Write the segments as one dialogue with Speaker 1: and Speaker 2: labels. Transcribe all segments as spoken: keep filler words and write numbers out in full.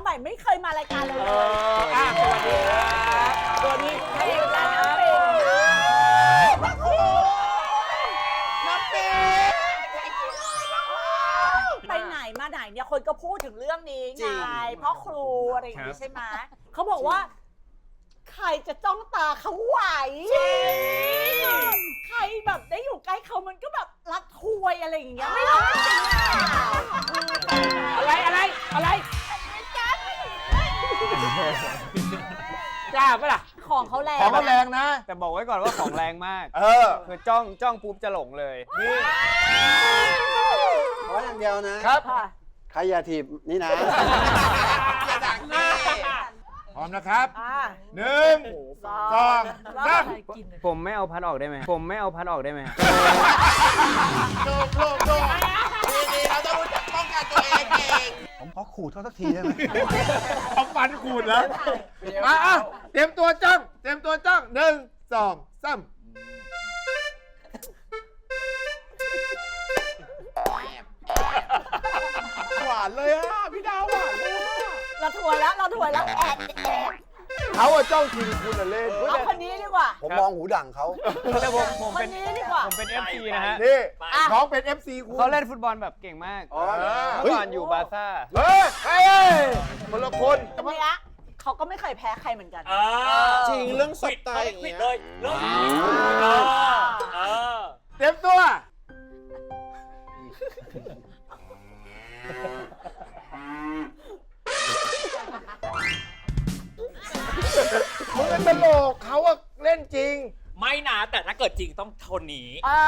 Speaker 1: ใหม่ไม่เคยมารายการเลย
Speaker 2: เอออ่ะสวัสดีครับสวัสดีเพลงนะน้ำปิงน้ำปิง
Speaker 1: ไปไหนมาไหนเนี่ยคนก็พูดถึงเรื่องนี้ไงเพราะครูอะไรอย่างนี้ใช่ไหมเขาบอกว่าใครจะจ้องตาเขาไหวใครแบบได้อยู่ใกล้เขามันก็แบบรักทวยอะไรอย่างเงี้ยไม่รู้จริงๆ
Speaker 2: อะไรอะไรอะไรจ้าปะล่ะ
Speaker 1: ของเขาแรง
Speaker 3: ของเขาแรงนะ
Speaker 4: แต่บอกไว้ก่อนว่าของแรงมาก
Speaker 3: เออ
Speaker 4: คือจ้องจ้องปุ๊บจะหลงเลย
Speaker 3: นี่
Speaker 5: ขออย่างเดียวนะครับ ใครอย่าถีบนี่นะ
Speaker 3: พร้อมนะครับ
Speaker 1: อ่า
Speaker 3: หนึ่งสองสาม
Speaker 4: ผมไม่เอาพัดออกได้ไหมผมไม่เอาพัดออกได้ไหม
Speaker 3: โดดโดดโดดดีๆเราต้องรู้จักป้องกันตัวเองเอง
Speaker 5: ผมขอขู่เขาสักทีได้ไหม
Speaker 3: เอาฟันขูดแล้วมาอ่ะเตรียมตัวจ้องเตรียมตัวจ้องหนึ่งสองสาม หวานเลยอ่ะพี่ดาวหวานเลยอ่ะ
Speaker 1: เราถวยแล้วเราถวยแล้วแอดแอด
Speaker 3: เขาอะจ้องทีคุณอะเล่น
Speaker 1: เอาคนนี้ดีกว่า
Speaker 5: ผมมองหูดั่งเขา
Speaker 4: แต่ผมผม
Speaker 1: คน
Speaker 4: เป็น
Speaker 1: นี้ดีกว่า
Speaker 4: ผมเป็น เอฟ ซี นะฮะ
Speaker 3: นี่น้องเป็น เอฟ ซี คุณ
Speaker 4: เขาเล่นฟุตบอลแบบเก่งมาก
Speaker 3: อ๋อ
Speaker 4: เมื่อก่อนอยู่บาร์ซ่า
Speaker 3: เฮ้ยเฮ้ยคนละคน
Speaker 1: คนนี้เขาก็ไม่เคยแพ้ใครเหมือนกัน
Speaker 5: จริงเรื่องสไตล์อย่าง
Speaker 2: ปิด
Speaker 5: เงี้ย
Speaker 2: เลยเริ่มเออเออ
Speaker 3: เตรียมตัวมึงเป็นตลกเขาอะเล่นจริง
Speaker 2: ไม่นะแต่ถ้าเกิดจริงต้องทนนี้
Speaker 1: อ่า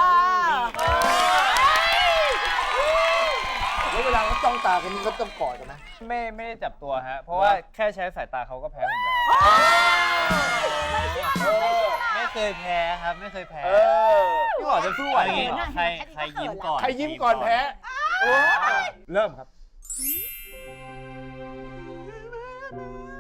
Speaker 5: แล้วเวลาเขาจ้องตากันนี่เขาต้องกอดกันนะ
Speaker 4: ไม่ไม่ได้จับตัวฮะ เพราะว่าแค่ใช้สายตาเขาก็แพ้ผมแล้ว ไม่เคยแพ้ครับ ไม่เคยแพ้
Speaker 3: เออ
Speaker 4: พี่บอกจะสู้ไหวอย่างงี้เหรอใครใครยิ้มก่อน
Speaker 3: ใครยิ้มก่อนแพ้เริ่มครับ